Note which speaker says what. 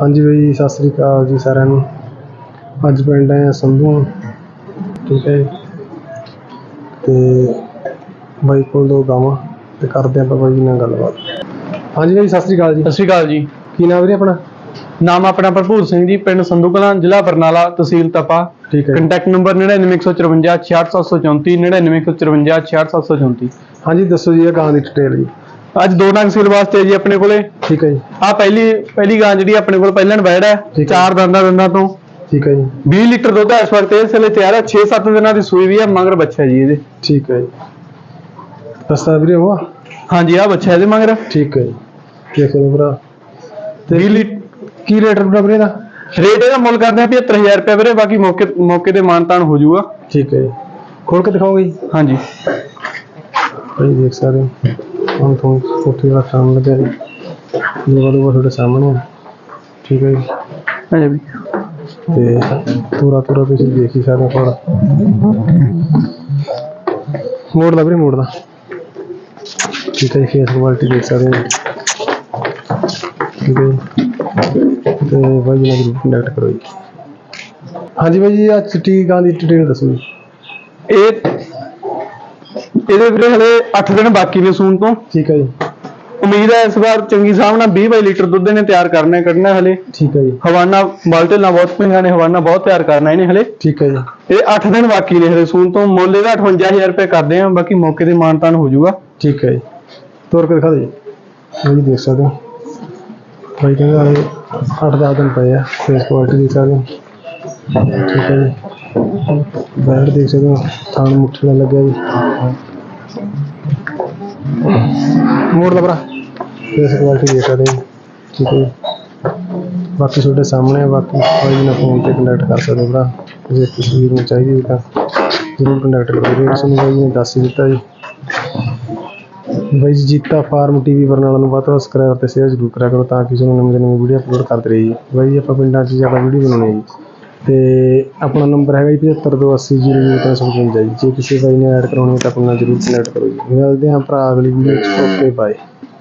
Speaker 1: ਹਾਂਜੀ ਬਾਈ, ਸਤਿ ਸ੍ਰੀ ਅਕਾਲ ਜੀ ਸਾਰਿਆਂ ਨੂੰ। ਅੱਜ ਪਿੰਡ ਆਏ ਹਾਂ ਸੰਧੂ, ਠੀਕ ਹੈ ਜੀ। ਤੇ ਬਾਈ ਕੋਲ 2 ਗਾਵਾਂ ਤੇ ਕਰਦੇ ਆਪਾਂ ਬਾਈ ਜੀ ਨਾਲ ਗੱਲਬਾਤ। ਹਾਂਜੀ ਬਾਈ, ਸਤਿ ਸ੍ਰੀ ਅਕਾਲ ਜੀ।
Speaker 2: ਸਤਿ ਸ਼੍ਰੀ ਅਕਾਲ ਜੀ।
Speaker 1: ਕੀ ਨਾਮ ਵੀਰੇ ਆਪਣਾ?
Speaker 2: ਨਾਮ ਆਪਣਾ ਭਰਪੂਰ ਸਿੰਘ ਜੀ, ਪਿੰਡ ਸੰਧੂ ਕਲਾਂ, ਜ਼ਿਲ੍ਹਾ ਬਰਨਾਲਾ, ਤਹਿਸੀਲ ਤਪਾ।
Speaker 1: ਠੀਕ ਹੈ।
Speaker 2: Contact number 9915 66734 9915 66734।
Speaker 1: ਹਾਂਜੀ ਦੱਸੋ ਜੀ ਇਹ ਗਾਂ ਦੀ ਡਿਟੇਲ ਜੀ।
Speaker 2: ਅੱਜ 2 ਨਗ ਸੇਲ ਵਾਸਤੇ ਜੀ ਆਪਣੇ ਕੋਲੇ।
Speaker 1: ਠੀਕ ਹੈ ਜੀ।
Speaker 2: ਆ ਪਹਿਲੀ ਗਾਂ ਜਿਹੜੀ ਆਪਣੇ ਕੋਲ ਪਹਿਲਾਂ ਬੈੜ ਹੈ,
Speaker 1: ਠੀਕ ਹੈ।
Speaker 2: 4 ਦੰਦਾਂ ਤੋਂ।
Speaker 1: ਠੀਕ ਹੈ ਜੀ।
Speaker 2: 20 ਲੀਟਰ ਦੁੱਧ ਇਸ ਵਕਤ ਇਸ ਵੇਲੇ ਤਿਆਰ ਹੈ। 6-7 ਦਿਨਾਂ ਦੀ ਸੂਈ ਵੀ ਹੈ, ਮਗਰ ਬੱਚਾ ਜੀ ਇਹਦੇ।
Speaker 1: ਠੀਕ ਹੈ ਜੀ। ਦੱਸਦਾ ਵੀਰੇ ਉਹ?
Speaker 2: ਹਾਂਜੀ, ਆ ਬੱਚਾ ਇਹਦੇ ਮਗਰ।
Speaker 1: ਠੀਕ ਹੈ ਜੀ। ਦੇਖ ਲਓ ਭਰਾ। ਤੇ
Speaker 2: 20 ਲੀਟਰ
Speaker 1: ਕੀ ਰੇਟ ਰੂਟ ਵੀਰੇ ਦਾ?
Speaker 2: ਰੇਟ ਇਹਦਾ ਮੁੱਲ ਕਰਦੇ ਆ 75000 ਰੁਪਏ ਵੀਰੇ, ਬਾਕੀ ਮੌਕੇ ਤੇ ਮਾਨਤਾਨ ਹੋ ਜਾਊਗਾ।
Speaker 1: ਠੀਕ ਹੈ ਜੀ। ਖੋਲ ਕੇ ਦਿਖਾਓਗੇ ਜੀ?
Speaker 2: ਹਾਂਜੀ
Speaker 1: ਭਾਈ ਦੇਖ ਸਕਦੇ ਹੋ, ਹੁਣ ਤੁਹਾਨੂੰ ਕੋਠੀ ਦਾ ਕੰਮ ਲੱਗਿਆ ਜੀ, ਲੋਕਾਂ ਤੁਹਾਡੇ ਸਾਹਮਣੇ। ਠੀਕ ਹੈ ਜੀ।
Speaker 2: ਹਾਂਜੀ ਵੀ
Speaker 1: ਤੇ ਪੂਰਾ ਤੁਸੀਂ ਦੇਖ ਹੀ ਸਕਦੇ ਹੋ। ਮੋੜ ਦਾ ਵੀਰੇ, ਮੋੜ ਦਾ। ਠੀਕ ਹੈ ਜੀ। ਫੇਸ ਕੁਆਲਿਟੀ ਦੇਖ ਸਕਦੇ ਹੋ। ਠੀਕ ਹੈ ਜੀ। ਤੇ ਬਾਈ ਜੀ ਨਾਲ ਜ਼ਰੂਰ ਕੰਟੈਕਟ ਕਰੋ ਜੀ। ਹਾਂਜੀ ਬਾਈ ਜੀ, ਅੱਜ ਚਿੱਟੀ ਗਾਂ ਦੀ ਡਿਟੇਲ ਦੱਸੋ ਜੀ।
Speaker 2: ਇਹਦੇ ਵੀਰੇ ਹਲੇ 8 ਦਿਨ ਬਾਕੀ ਨੇ ਸੂਣ ਤੋਂ।
Speaker 1: ਠੀਕ ਹੈ ਜੀ।
Speaker 2: ਉਮੀਦ ਹੈ ਇਸ ਵਾਰ ਚੰਗੀ ਹਿਸਾਬ ਨਾਲ 20-22 ਲੀਟਰ ਦੁੱਧ ਨੇ ਤਿਆਰ ਕੱਢਣਾ ਹਲੇ।
Speaker 1: ਠੀਕ ਹੈ ਜੀ।
Speaker 2: ਹਵਾਨਾ ਬਾਲਟੇ ਨਾਲ ਬਹੁਤ ਪਈਆਂ ਨੇ, ਹਵਾਨਾ ਬਹੁਤ ਤਿਆਰ ਕਰਨਾ ਇਹਨੇ ਹਲੇ।
Speaker 1: ਠੀਕ ਹੈ ਜੀ।
Speaker 2: ਇਹ 8 ਦਿਨ ਬਾਕੀ ਨੇ ਹਲੇ ਸੂਣ ਤੋਂ। ਮੁੱਲ ਇਹਦਾ 58000 ਰੁਪਏ ਕਰਦੇ ਆ, ਬਾਕੀ ਮੌਕੇ ਤੇ ਮਾਨਤਾਨ ਹੋ ਜਾਊਗਾ।
Speaker 1: ਠੀਕ ਹੈ ਜੀ। ਤੋਰ ਕੇ ਦਿਖਾ ਦਿਓ ਜੀ। ਦੇਖ ਸਕਦੇ ਹੋ ਬਾਈ ਕਹਿੰਦਾ ਇਹ 8-10 ਦਿਨ ਪਏ ਆ। ਫੇਸ ਕੁਆਲਿਟੀ ਦੇਖ ਸਕਦੇ ਹੋ। ਠੀਕ ਹੈ ਜੀ। ਬੈਡ ਦੇਖ ਸਕਦੇ ਹੋ, ਥਾਣ ਮੁੱਠੀ ਨਾਲ ਲੱਗਿਆ ਜੀ। ਮੋੜ ਦਾ ਭਰਾ। ਫੇਸ ਕੁਆਲਿਟੀ ਦੇਖ ਸਕਦੇ ਹੋ। ਠੀਕ ਹੈ ਜੀ। ਬਾਕੀ ਤੁਹਾਡੇ ਸਾਹਮਣੇ। ਬਾਕੀ ਬਾਈ ਨਾਲ ਫੋਨ ਤੇ ਕੰਟੈਕਟ ਕਰ ਸਕਦੇ ਹੋ ਭਰਾ, ਜੇ ਕਿਸੇ ਵੀਰ ਨੂੰ ਚਾਹੀਦੀ ਤਾਂ ਜ਼ਰੂਰ ਕੰਟੈਕਟ ਕਰੋ। ਰੇਟ ਤੁਹਾਨੂੰ ਬਾਈ ਨੇ ਦੱਸ ਹੀ ਦਿੱਤਾ ਜੀ। ਬਾਈ ਜੀ ਜੀਤਾ ਫਾਰਮ TV ਬਰਨਾਲਾ ਨੂੰ ਵੱਧ ਤੋਂ ਵੱਧ ਸਬਸਕ੍ਰਾਈਬ ਤੇ ਸ਼ੇਅਰ ਜ਼ਰੂਰ ਕਰਿਆ ਕਰੋ, ਤਾਂ ਕਿ ਤੁਹਾਨੂੰ ਨਵੀਂ ਵੀਡੀਓ ਅਪਲੋਡ ਕਰਦੇ ਰਹੀਏ ਜੀ। ਬਾਈ ਜੀ ਆਪਾਂ ਪਿੰਡਾਂ 'ਚ ਜ਼ਿਆਦਾ ਵੀਡੀਓ ਬਣਾਉਣੀ ਹੈ ਜੀ। ਤੇ ਆਪਣਾ ਨੰਬਰ ਹੈਗਾ ਜੀ 7528000355 ਜੀ। ਜੇ ਕਿਸੇ ਬਾਈ ਨੇ ਐਡ ਕਰਾਉਣੀ ਹੈ ਤਾਂ ਆਪਣਾ ਜ਼ਰੂਰ ਕੰਟੈਕਟ ਕਰੋ ਜੀ। ਮਿਲਦੇ ਹਾਂ ਭਰਾ ਅਗਲੀ ਵੀਡੀਓ 'ਚ। Okay bye.